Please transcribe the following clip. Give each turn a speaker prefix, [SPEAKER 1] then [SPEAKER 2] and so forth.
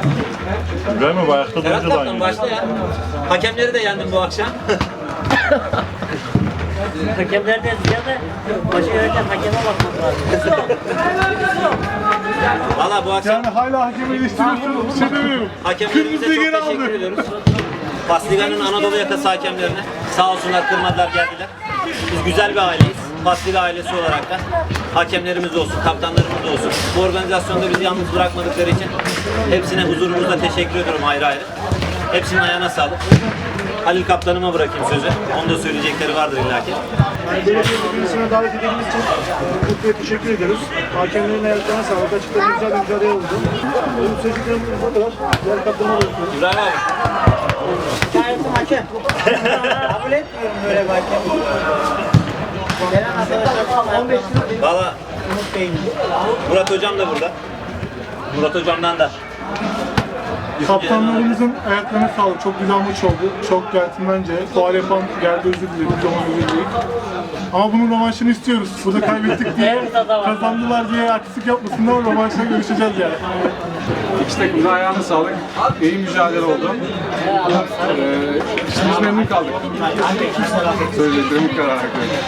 [SPEAKER 1] Güzel mi? Bu ayakta
[SPEAKER 2] Ferhat
[SPEAKER 1] durunca da
[SPEAKER 2] Kaptan
[SPEAKER 1] aynı.
[SPEAKER 2] başla ya. Hakemleri de yendim bu akşam.
[SPEAKER 3] Hakemlerden ziyade başı yöneten hakeme bakmak lazım.
[SPEAKER 2] Valla bu akşam
[SPEAKER 1] Yani hala hakemi eleştiriyorsun, bir şey demiyorum.
[SPEAKER 2] hakemlerimize
[SPEAKER 1] Kırmızı
[SPEAKER 2] çok
[SPEAKER 1] geri
[SPEAKER 2] teşekkür
[SPEAKER 1] aldı.
[SPEAKER 2] ediyoruz. Pasliga'nın Anadolu yakası hakemlerine sağ olsunlar kırmadılar geldiler. Biz güzel bir aileyiz. Pasliga ailesi olarak da hakemlerimiz olsun, kaptanlarımız olsun. Bu organizasyonda bizi yalnız bırakmadıkları için hepsine huzurumuzda teşekkür ediyorum ayrı ayrı. Hepsinin ayağına sağlık. Halil kaptanıma bırakayım sözü. Onun da söyleyecekleri vardır illaki.
[SPEAKER 4] Yani böyle bir birisine davet edildiğiniz için Kutlu'ya teşekkür ediyoruz. Hakemlerin ayaklarına sağlık. Açıkta güzel bir mücadele oldu. Benim söyleyeceklerim bu kadar. Diğer kaptanıma bırakıyorum.
[SPEAKER 2] İbrahim abi.
[SPEAKER 3] Şahitim hakem. Kabul etmiyorum böyle bir hakem. Gelen arkadaşlar 15 lira
[SPEAKER 2] Valla
[SPEAKER 3] Umut Bey'in.
[SPEAKER 2] Murat hocam da burada. Murat hocamdan da.
[SPEAKER 1] Kaptanlarımızın ayaklarına sağlık. Çok güzel maç oldu. Çok centilmence. Faal yapan geldi özür diledi. Biz ona özür diledik. Ama bunun rövanşını istiyoruz. Burada kaybettik diye, kazandılar diye artistik yapmasınlar. Rövanşla görüşeceğiz yani.
[SPEAKER 5] İki takımın ayağına sağlık. İyi mücadele oldu. Biz memnun kaldık. Söyleyeceklerim bu kadar.